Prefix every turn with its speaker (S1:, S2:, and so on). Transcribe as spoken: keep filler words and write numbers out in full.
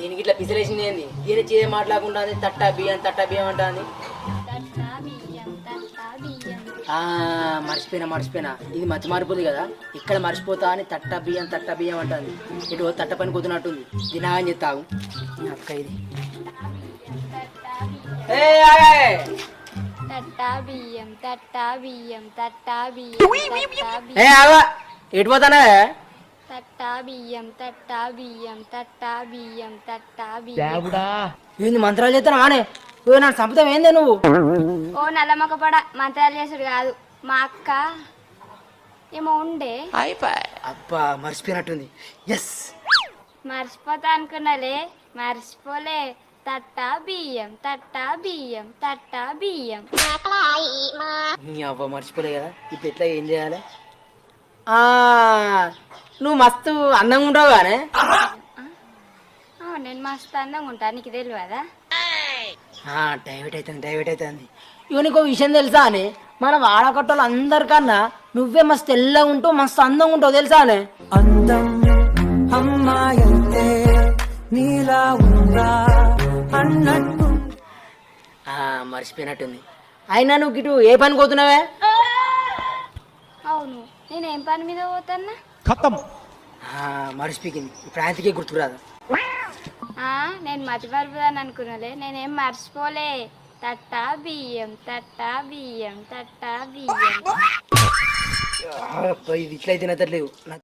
S1: దీనికి ఇట్లా పిసిలేసింది ఏంది? దీని చేయ మాట్లాడకుండా తట్టా బియ్యం తట్టా బియ్యం అంటుంది. మర్చిపోయినా మర్చిపోయినా ఇది మతి మారిపోతుంది కదా, ఇక్కడ మర్చిపోతా అని తట్టా బియ్యం తట్టా బియ్యం అంటుంది. ఇటు తట్ట పని కుదిరినట్టుంది. దినాగని చెప్తావు అక్క ఇది. ఎటు పోతానే?
S2: తట్టా బియ్యం తట్టా బియ్యం తట్టా బియ్యం తట్టా బియ్యం.
S1: ఏంది మంత్రాలు చేస్తాను ఆనే? నన్ను చంపుతావు ఏందే నువ్వు?
S2: ఓ నల్లమ్మక పడ మంత్రాలు చేసుడు కాదు, మా అక్క ఏమో ఉండే.
S1: అబ్బా మర్చిపోయినట్టుంది. ఎస్
S2: మర్చిపోతా అనుకున్నాలే, మర్చిపోలే. తట్టా బియ్యం తట్టా బియ్యం తట్టా బియ్యం.
S1: నీ అవ్వ మర్చిపోలే కదా, ఇప్పుడు ఎట్లా ఏం చేయాలి? నువ్వు మస్తు అందంగా ఉంటావు కానీ.
S2: నేను మస్తు అందంగా ఉంటా, నీకు తెలియదా?
S1: డైవర్ట్ అవుతుంది డైవర్ట్ అవుతుంది. ఇక నీకు విషయం తెలుసా అని, మన వాడకట్టలు అందరికన్నా నువ్వే మస్తు తెల్లగా ఉంటావు, మస్తు అందంగా ఉంటావు తెలుసా అని. అందం అమ్మాయంటే నీలా ఉందా అన్నట్టు. మర్చిపోయినట్టుంది. అయినా నువ్వు ఇటు ఏ పని పోతున్నావే?
S2: అవును, నేనేం పని మీద పోతాన్నా?
S1: మర్చిపోయింది. ఇప్పుడు ఆయనకే గుర్తుకురాదు.
S2: నేను మతి మరుపుదాన్ని అనుకున్నాలే, నేనేం మర్చిపోలే. తట్టా బియ్యం తట్టా బియ్యం తట్టా బియ్యం.
S1: ఇది ఇట్లయితే నచ్చట్లేవు.